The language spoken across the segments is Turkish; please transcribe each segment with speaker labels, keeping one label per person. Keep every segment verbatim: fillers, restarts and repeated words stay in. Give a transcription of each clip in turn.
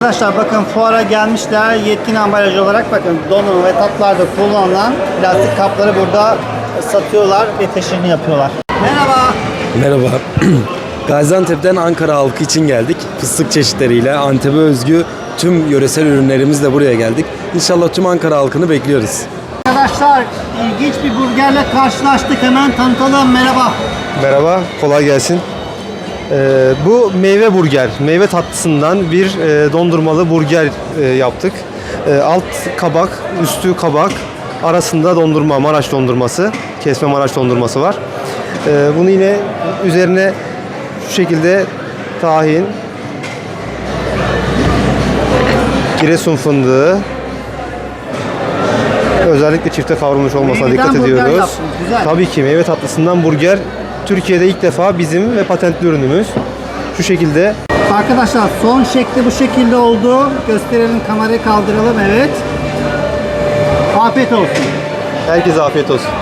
Speaker 1: Arkadaşlar bakın fuara gelmişler. Yetkin ambalajı olarak bakın donanım ve tatlılarda kullanılan plastik kapları burada satıyorlar ve teşhirini yapıyorlar. Merhaba.
Speaker 2: Merhaba. Gaziantep'ten Ankara halkı için geldik. Fıstık çeşitleriyle Antep'e özgü tüm yöresel ürünlerimizle buraya geldik. İnşallah tüm Ankara halkını bekliyoruz.
Speaker 1: Arkadaşlar ilginç bir burgerle karşılaştık. Hemen tanıtalım. Merhaba.
Speaker 3: Merhaba, kolay gelsin. Ee, bu meyve burger, meyve tatlısından bir e, dondurmalı burger e, yaptık. E, alt kabak, üstü kabak, arasında dondurma, Maraş dondurması, kesme Maraş dondurması var. E, bunu yine üzerine şu şekilde tahin, Giresun fındığı, özellikle çifte kavrulmuş olmasına
Speaker 1: Meyveden
Speaker 3: dikkat
Speaker 1: burger
Speaker 3: ediyoruz.
Speaker 1: yaptınız, güzel.
Speaker 3: Tabii ki meyve tatlısından burger Türkiye'de ilk defa bizim ve patentli ürünümüz. Şu şekilde.
Speaker 1: Arkadaşlar son şekli bu şekilde oldu. Gösterelim, kamerayı kaldıralım. Evet. Afiyet olsun.
Speaker 3: Herkese afiyet olsun.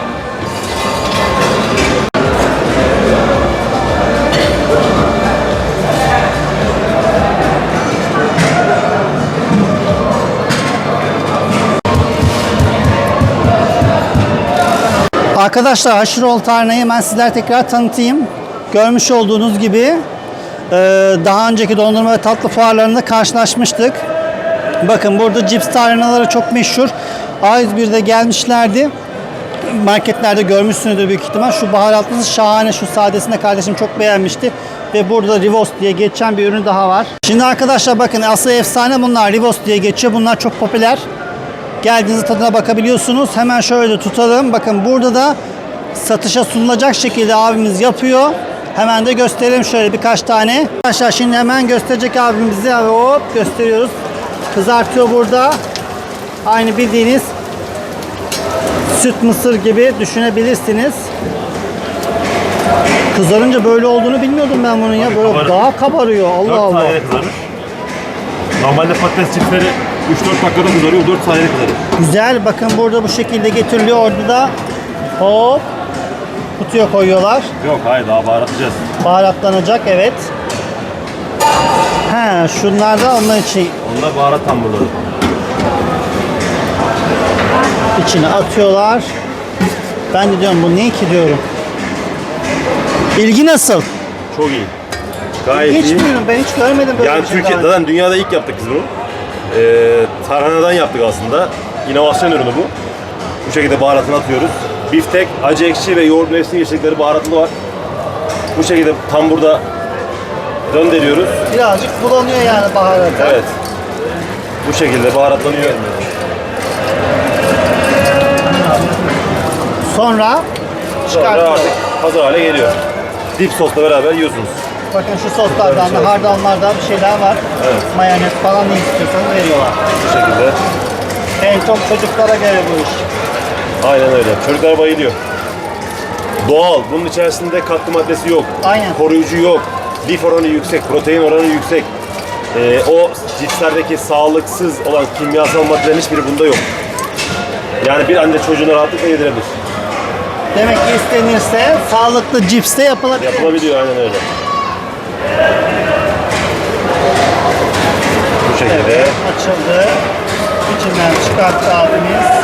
Speaker 1: Arkadaşlar Haşiroğlu Tarhana'yı ben sizlere tekrar tanıtayım. Görmüş olduğunuz gibi daha önceki dondurma ve tatlı fuarlarında karşılaşmıştık. Bakın burada cips tarhanaları çok meşhur. A yüz bir'de gelmişlerdi. Marketlerde görmüşsünüzdür büyük ihtimal. Şu baharatlısı şahane. Şu sadesini de kardeşim çok beğenmişti. Ve burada Rivos diye geçen bir ürün daha var. Şimdi arkadaşlar bakın asıl efsane bunlar. Rivos diye geçiyor. Bunlar çok popüler. Geldiğinizde tadına bakabiliyorsunuz. Hemen şöyle tutalım. Bakın burada da satışa sunulacak şekilde abimiz yapıyor. Hemen de gösterelim şöyle birkaç tane. Arkadaşlar şimdi hemen gösterecek abimizi. Hop gösteriyoruz. Kızartıyor burada. Aynı bildiğiniz süt mısır gibi düşünebilirsiniz. Kızarınca böyle olduğunu bilmiyordum ben bunun ya. Böyle
Speaker 4: kabarır.
Speaker 1: daha kabarıyor. Allah
Speaker 4: dört
Speaker 1: Allah.
Speaker 4: saniyede kızarır. Normalde patates çiftleri üç dört dakikada kızarıyor, dört saniyede kızarır.
Speaker 1: Güzel. Bakın burada bu şekilde getiriliyor. Orada da hop kutuya koyuyorlar.
Speaker 4: Yok hayır, daha baharatlayacağız.
Speaker 1: Baharatlanacak, evet. He, şunlar da onlar için
Speaker 4: Onlar baharat hamurları.
Speaker 1: içine atıyorlar. Ben de diyorum bu ne ki diyorum. İlgi nasıl?
Speaker 4: Çok iyi. Gayet
Speaker 1: Hiç
Speaker 4: iyi.
Speaker 1: bilmiyorum, ben hiç görmedim böyle
Speaker 4: Yani
Speaker 1: bir şey
Speaker 4: Türkiye,
Speaker 1: daha önce.
Speaker 4: zaten dünyada ilk yaptık biz bunu. Ee, tarhanadan yaptık aslında. İnovasyon ürünü bu. Bu şekilde baharatını atıyoruz. Biftek, acı ekşi ve yoğurt mevsim yeşillikleri baharatlı var. Bu şekilde tam burada döndürüyoruz.
Speaker 1: Birazcık bulanıyor yani baharat.
Speaker 4: Evet. Bu şekilde baharatlanıyor.
Speaker 1: Sonra
Speaker 4: Sonra
Speaker 1: çıkartıyorlar.
Speaker 4: artık hazır hale geliyor. Dip sosla beraber yiyorsunuz.
Speaker 1: Bakın şu soslardan da hardallardan bir şeyler var.
Speaker 4: Evet.
Speaker 1: Mayonez falan ne istiyorsanız veriyorlar.
Speaker 4: Bu şekilde.
Speaker 1: En çok çocuklara göre bu iş.
Speaker 4: Aynen öyle. Çocuklar bayılıyor. Doğal. Bunun içerisinde katkı maddesi yok.
Speaker 1: Aynen.
Speaker 4: Koruyucu yok. Lif oranı yüksek. Protein oranı yüksek. Ee, o cipslerdeki sağlıksız olan kimyasal maddelerin hiçbiri bunda yok. Yani bir anne çocuğuna rahatlıkla yedirebilir.
Speaker 1: Demek ki istenirse sağlıklı cips de yapılabilir.
Speaker 4: Yapılabiliyor aynen öyle. Bu şekilde.
Speaker 1: Evet, açıldı. İçinden çıkarttı abimiz.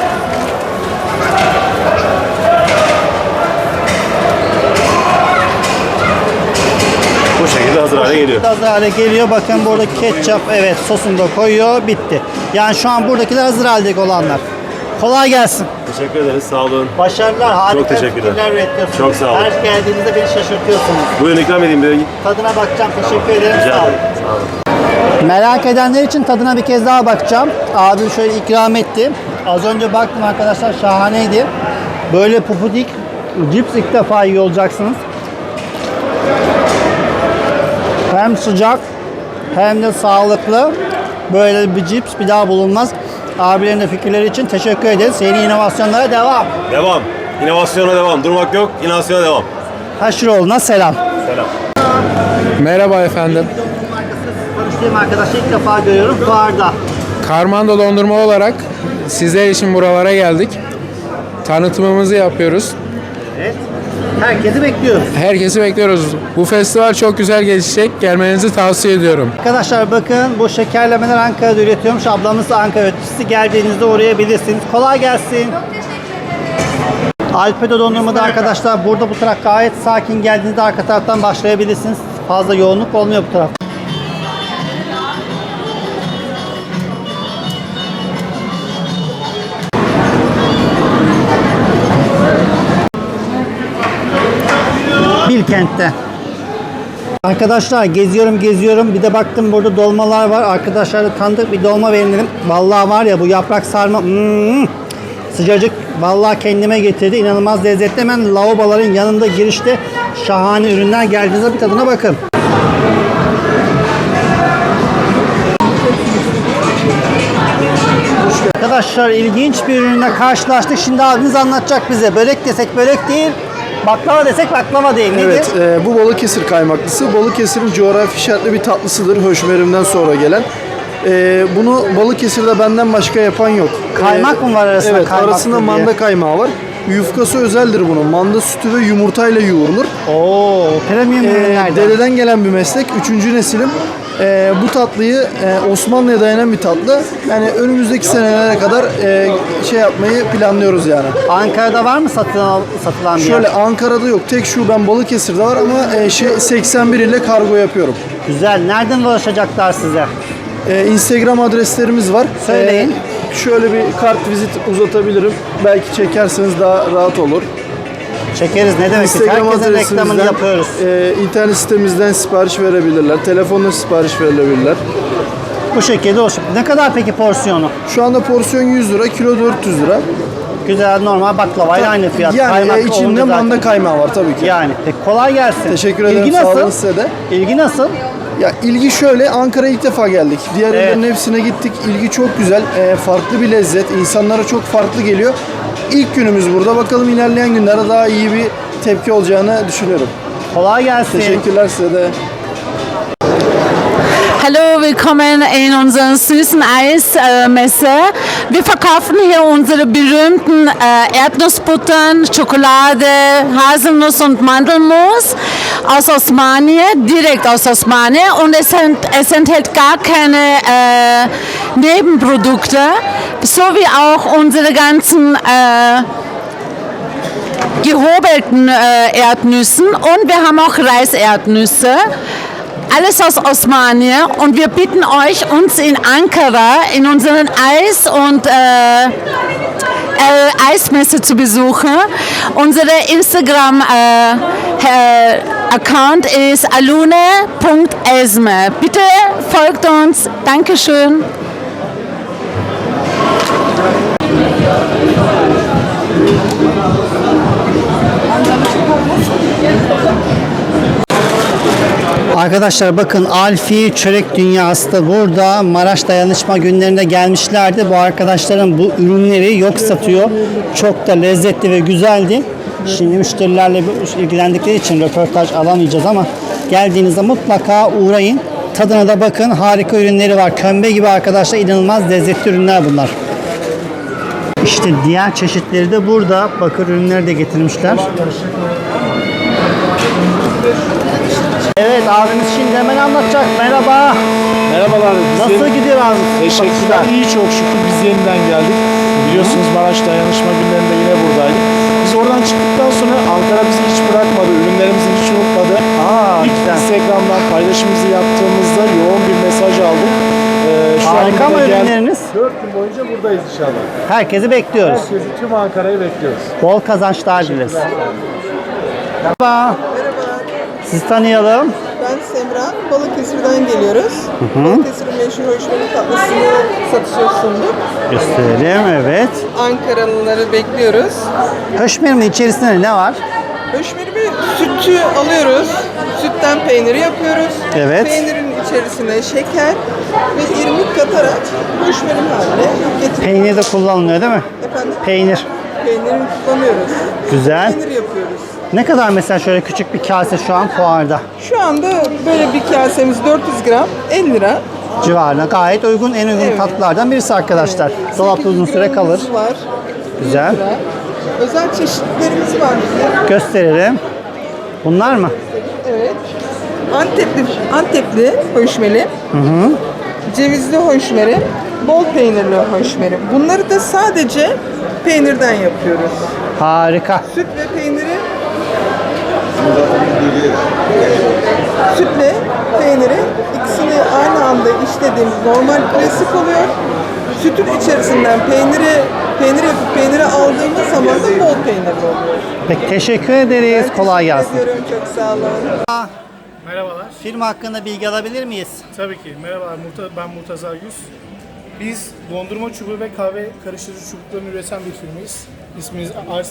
Speaker 4: Bu şekilde hazır hale geliyor.
Speaker 1: Hazır hale geliyor. Bakın burada ketçap, evet, sosunu da koyuyor. Bitti. Yani şu an buradakiler hazır haldeki olanlar. Kolay gelsin.
Speaker 4: Teşekkür ederiz. Sağ olun.
Speaker 1: Başarılar. Harika
Speaker 4: Çok teşekkürler.
Speaker 1: fikirler üretiyorsunuz.
Speaker 4: Çok sağ olun.
Speaker 1: Her geldiğinizde beni şaşırtıyorsunuz.
Speaker 4: Buyurun ikram edeyim bir.
Speaker 1: Tadına bakacağım. Teşekkür ederim.
Speaker 4: Rica
Speaker 1: Sağ olun.
Speaker 4: ederim. Sağ olun.
Speaker 1: Merak edenler için tadına bir kez daha bakacağım. Abim şöyle ikram etti. Az önce baktım arkadaşlar, şahaneydi. Böyle pupudik cips ilk defa yiyor olacaksınız. Hem sıcak hem de sağlıklı. Böyle bir cips bir daha bulunmaz. Abilerin de fikirleri için teşekkür ederiz. Yeni inovasyonlara devam.
Speaker 4: Devam. İnovasyona devam. Durmak yok. İnovasyona devam.
Speaker 1: Haşiroğlu'na selam.
Speaker 4: Selam.
Speaker 5: Merhaba efendim.
Speaker 1: Tanıştığım arkadaşı ilk defa görüyorum fuarda.
Speaker 5: Karmando dondurma olarak sizler için buralara geldik. Tanıtımımızı yapıyoruz.
Speaker 1: Evet. Herkesi bekliyoruz.
Speaker 5: Herkesi bekliyoruz. Bu festival çok güzel geçecek. Gelmenizi tavsiye ediyorum.
Speaker 1: Arkadaşlar bakın bu şekerlemeler Ankara'da üretiyormuş. Ablamız da Ankara üreticisi. Geldiğinizde uğrayabilirsiniz. Kolay gelsin. Alpedo dondurmada arkadaşlar burada bu taraf gayet sakin. Geldiğinizde arka taraftan başlayabilirsiniz. Fazla yoğunluk olmuyor bu taraf. Bilkent'te. Arkadaşlar geziyorum geziyorum. Bir de baktım burada dolmalar var. Arkadaşlar tanıdık bir dolma verin. Vallahi var ya bu yaprak sarma. Hmm, sıcacık. Vallahi kendime getirdi. İnanılmaz lezzetli. Hemen lavaboların yanında girişte şahane ürünler. Geldiğinizde bir tadına bakın. Arkadaşlar ilginç bir ürünle karşılaştık. Şimdi abimiz anlatacak bize. Börek desek börek değil. Baklava desek baklava değil. Nedir?
Speaker 6: Evet, e, bu Balıkesir kaymaklısı. Balıkesir'in coğrafi şartlı bir tatlısıdır höşmerimden sonra gelen. E, bunu Balıkesir'de benden başka yapan yok.
Speaker 1: Kaymak mı var arasında?
Speaker 6: Evet,
Speaker 1: kaymak
Speaker 6: arasında
Speaker 1: diye?
Speaker 6: manda kaymağı var. Yufkası özeldir bunun. Manda sütü ve yumurtayla yoğrulur.
Speaker 1: Oo, premium
Speaker 6: E,
Speaker 1: ürünlerden.
Speaker 6: dededen gelen bir meslek. Üçüncü nesilim. E, bu tatlıyı e, Osmanlı'ya dayanan bir tatlı. Yani önümüzdeki senelere kadar e, şey yapmayı planlıyoruz yani.
Speaker 1: Ankara'da var mı satılan, satılan bir
Speaker 6: Şöyle
Speaker 1: yer?
Speaker 6: Ankara'da yok. Tek şubem Balıkesir'de var ama e, şey, seksen bir ile kargo yapıyorum.
Speaker 1: Güzel. Nereden ulaşacaklar size?
Speaker 6: Ee, Instagram adreslerimiz var.
Speaker 1: Söyleyin.
Speaker 6: Ee, şöyle bir kart vizit uzatabilirim. Belki çekerseniz daha rahat olur.
Speaker 1: Çekeriz. Ne demek? Biz
Speaker 6: Instagram
Speaker 1: herkesin reklamını
Speaker 6: adresimizden,
Speaker 1: yapıyoruz.
Speaker 6: e, internet sitemizden sipariş verebilirler. Telefonla sipariş verilebilirler.
Speaker 1: Bu şekilde olsun. Ne kadar peki porsiyonu?
Speaker 6: Şu anda porsiyon yüz lira, kilo dört yüz lira.
Speaker 1: Güzel normal baklavayla aynı fiyat.
Speaker 6: Yani
Speaker 1: Kaymak
Speaker 6: e, içinde
Speaker 1: olunca zaten-
Speaker 6: manda kaymağı var tabii ki.
Speaker 1: Yani. Peki kolay gelsin.
Speaker 6: Teşekkür ederim.
Speaker 1: İlgi
Speaker 6: Sağ olun
Speaker 1: nasıl?
Speaker 6: size de.
Speaker 1: İlgi nasıl?
Speaker 6: Ya ilgi şöyle, Ankara'ya ilk defa geldik. Diğer
Speaker 1: Evet.
Speaker 6: illerin hepsine gittik. İlgi çok güzel. E, farklı bir lezzet. İnsanlara çok farklı geliyor. İlk günümüz burada. Bakalım ilerleyen günlerde daha iyi bir tepki olacağını düşünüyorum.
Speaker 1: Kolay gelsin.
Speaker 6: Teşekkürler size de.
Speaker 7: Hallo, willkommen in unserer süßen Eismesse. Wir verkaufen hier unsere berühmten äh, Erdnussbuttern, Schokolade, Haselnuss und Mandelmus aus Osmaniye, direkt aus Osmaniye. Und es, ent, es enthält gar keine äh, Nebenprodukte, so wie auch unsere ganzen äh, gehobelten äh, Erdnüssen. Und wir haben auch Reiserdnüsse. Alles aus Osmaniye und wir bitten euch, uns in Ankara in unseren Eis- und äh, äh, Eismesse zu besuchen. Unsere Instagram-Account äh, ist alune punkt esme. Bitte folgt uns. Dankeschön.
Speaker 1: Arkadaşlar bakın Alfi Çörek Dünyası da burada Maraş Dayanışma Günlerinde gelmişlerdi. Bu arkadaşların bu ürünleri yok satıyor. Çok da lezzetli ve güzeldi. Şimdi müşterilerle ilgilendikleri için röportaj alamayacağız ama geldiğinizde mutlaka uğrayın. Tadına da bakın. Harika ürünleri var. Kömbe gibi arkadaşlar inanılmaz lezzetli ürünler bunlar. İşte diğer çeşitleri de burada. Bakır ürünleri de getirmişler. Evet abimiz şimdi hemen anlatacak. Merhaba.
Speaker 8: Merhabalar. Biz
Speaker 1: Nasıl
Speaker 8: yeni-
Speaker 1: gidiyor abi?
Speaker 8: Teşekkürler. İyi çok şükür. Biz yeniden geldik. Biliyorsunuz Maraş Dayanışma Günlerinde yine buradaydık. Biz oradan çıktıktan sonra Ankara bizi hiç bırakmadı. Ürünlerimizi hiç unutmadı.
Speaker 1: Aa,
Speaker 8: İlk
Speaker 1: güzel.
Speaker 8: Instagram'dan paylaşımımızı yaptığımızda yoğun bir mesaj aldık. Ee, şu
Speaker 1: Harika
Speaker 8: anda
Speaker 1: mı
Speaker 8: da gel-
Speaker 1: ürünleriniz?
Speaker 8: dört gün boyunca buradayız inşallah.
Speaker 1: Herkesi bekliyoruz.
Speaker 8: Herkesi tüm Ankara'yı bekliyoruz.
Speaker 1: Bol kazançlar dileriz. Merhaba. Sizi tanıyalım.
Speaker 9: Ben Semra, Balıkesir'den geliyoruz. Balıkesir'in meşhur hoşmerim tatlısını satışa sunduk.
Speaker 1: Gösterelim evet.
Speaker 9: Ankaralıları bekliyoruz.
Speaker 1: Höşmerimin içerisinde ne var?
Speaker 9: Hoşmerimi sütü alıyoruz. Sütten peyniri yapıyoruz.
Speaker 1: Evet.
Speaker 9: Peynirin içerisine şeker ve irmik katarak hoşmerim haline getiriyoruz.
Speaker 1: Peynir de kullanılıyor değil mi?
Speaker 9: Efendim,
Speaker 1: Peynir.
Speaker 9: peynirini kullanıyoruz.
Speaker 1: Güzel.
Speaker 9: Peynir yapıyoruz.
Speaker 1: Ne kadar mesela şöyle küçük bir kase şu an fuarda
Speaker 9: Şu anda böyle bir kasemiz dört yüz gram elli lira.
Speaker 1: civarına gayet uygun, en uygun
Speaker 9: Evet.
Speaker 1: tatlılardan birisi arkadaşlar. Dolapta uzun süre kalır.
Speaker 9: Gramımız var.
Speaker 1: Güzel.
Speaker 9: yüz lira. Özel çeşitlerimiz var bizim.
Speaker 1: Gösterelim. Bunlar mı?
Speaker 9: Evet. Antepli, Antepli höşmeli. Cevizli höşmeri. Bol peynirli höşmeri. Bunları da sadece peynirden yapıyoruz.
Speaker 1: Harika.
Speaker 9: Süt ve peyniri sütle peyniri ikisini aynı anda işlediğimiz normal klasik oluyor. Sütün içerisinden peyniri peynir yapıp peyniri aldığımız zaman da bol peynirli oluyor.
Speaker 1: Peki teşekkür ederiz.
Speaker 9: Ben
Speaker 1: Kolay
Speaker 9: teşekkür
Speaker 1: gelsin.
Speaker 9: ediyorum, çok sağ olun.
Speaker 5: Merhabalar.
Speaker 1: Firma hakkında bilgi alabilir miyiz?
Speaker 5: Tabii ki. Merhabalar. Murta- Ben Murtaza Güz. Biz dondurma çubuğu ve kahve karıştırıcı çubuklarını üreten bir firmayız. İsmimiz R altı.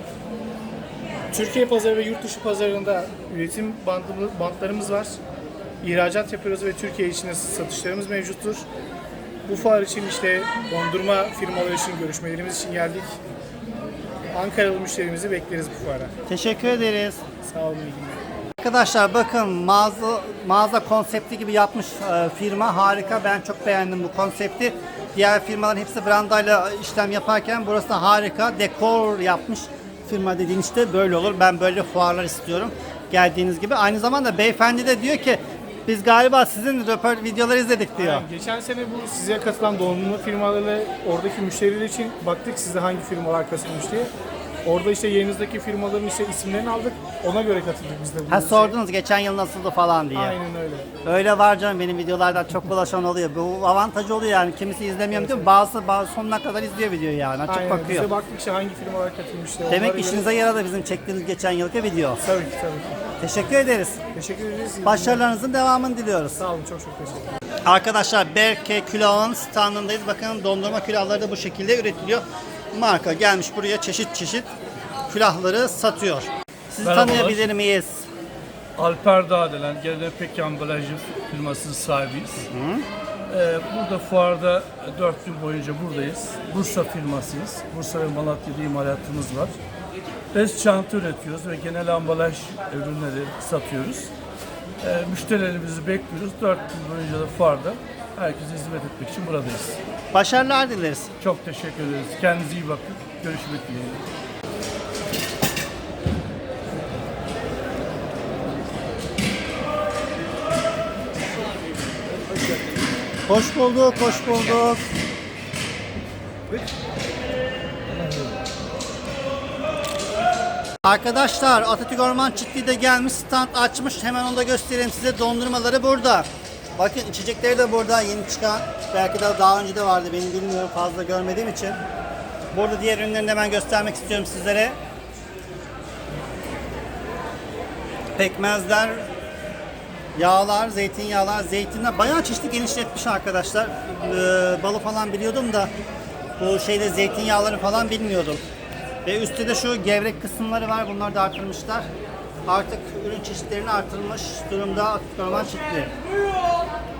Speaker 5: Türkiye pazarı ve yurt dışı pazarında üretim bandımı- bantlarımız var. İhracat yapıyoruz ve Türkiye içinde satışlarımız mevcuttur. Bu fuar için işte dondurma firmaları için görüşmelerimiz için geldik. Ankaralı müşterimizi bekleriz bu fuara.
Speaker 1: Teşekkür ederiz.
Speaker 5: Sağ olun. iyi günler.
Speaker 1: Arkadaşlar bakın mağaza mağaza konsepti gibi yapmış e, firma harika. Ben çok beğendim bu konsepti. Diğer firmaların hepsi brandayla işlem yaparken burası da harika. Dekor yapmış firma dediğin işte böyle olur. Ben böyle fuarlar istiyorum. Geldiğiniz gibi. Aynı zamanda beyefendi de diyor ki biz galiba sizin röport videoları izledik diyor.
Speaker 5: Yani geçen sene bu size katılan dondurma firmalarıyla oradaki müşteriler için baktık size hangi firmalar katılmış diye. Orada işte yerinizdeki firmaların işte isimlerini aldık. Ona göre katıldık biz de.
Speaker 1: Ha
Speaker 5: bu
Speaker 1: sordunuz geçen yıl nasıldı falan diye.
Speaker 5: Aynen öyle.
Speaker 1: Öyle var canım benim videolardan çok bulaşan oluyor. Bu avantajı oluyor yani. Kimisi izlemiyorum diyor. Bazısı, bazı sonuna kadar izliyor videoyu yani. Açıp
Speaker 5: Aynen.
Speaker 1: bakıyor.
Speaker 5: Biz de baktık işte hangi firmalar katılmış diye.
Speaker 1: Demek
Speaker 5: Onlara
Speaker 1: işinize
Speaker 5: göre-
Speaker 1: yaradı bizim çektiğimiz geçen yılki video.
Speaker 5: Tabii ki tabii ki.
Speaker 1: Teşekkür ederiz.
Speaker 5: Teşekkür ederiz. İyi günler.
Speaker 1: Başarılarınızın devamını diliyoruz.
Speaker 5: Sağ olun, çok çok teşekkür ederim.
Speaker 1: Arkadaşlar Berke Külah'ın standındayız. Bakın dondurma külahları da bu şekilde üretiliyor. Marka gelmiş buraya çeşit çeşit külahları satıyor. Sizi
Speaker 10: Merhabalar.
Speaker 1: tanıyabilir miyiz?
Speaker 10: Alper Dağdelen, Gelenepek Ambalajı firmasının sahibiyiz. Ee, burada fuarda dört gün boyunca buradayız. Bursa firmasıyız. Bursa ve Malatya'da imalatımız var. Bez çanta üretiyoruz ve genel ambalaj ürünleri satıyoruz. Ee, müşterilerimizi bekliyoruz. Dört gün boyunca da fuarda herkese hizmet etmek için buradayız.
Speaker 1: Başarılar dileriz.
Speaker 10: Çok teşekkür ederiz. Kendinize iyi bakın. Görüşmek dileğiyle.
Speaker 1: Hoş bulduk, hoş bulduk. Arkadaşlar Atatürk Orman Çiftliği gelmiş, stand açmış. Hemen onu da göstereyim size. Dondurmaları burada. Bakın içecekleri de burada yeni çıkan. Belki de daha önce de vardı, benim bilmiyorum, fazla görmediğim için. Burada diğer ürünlerini de hemen göstermek istiyorum sizlere. Pekmezler, yağlar, zeytinyağlar, zeytinler bayağı çeşitli genişletmiş arkadaşlar. Ee, balı falan biliyordum da bu şeyde zeytinyağları falan bilmiyordum. Ve üstte de şu gevrek kısımları var. Bunları da artırmışlar. Artık ürün çeşitlerini artırmış durumda Atatürk Orman Çiftliği.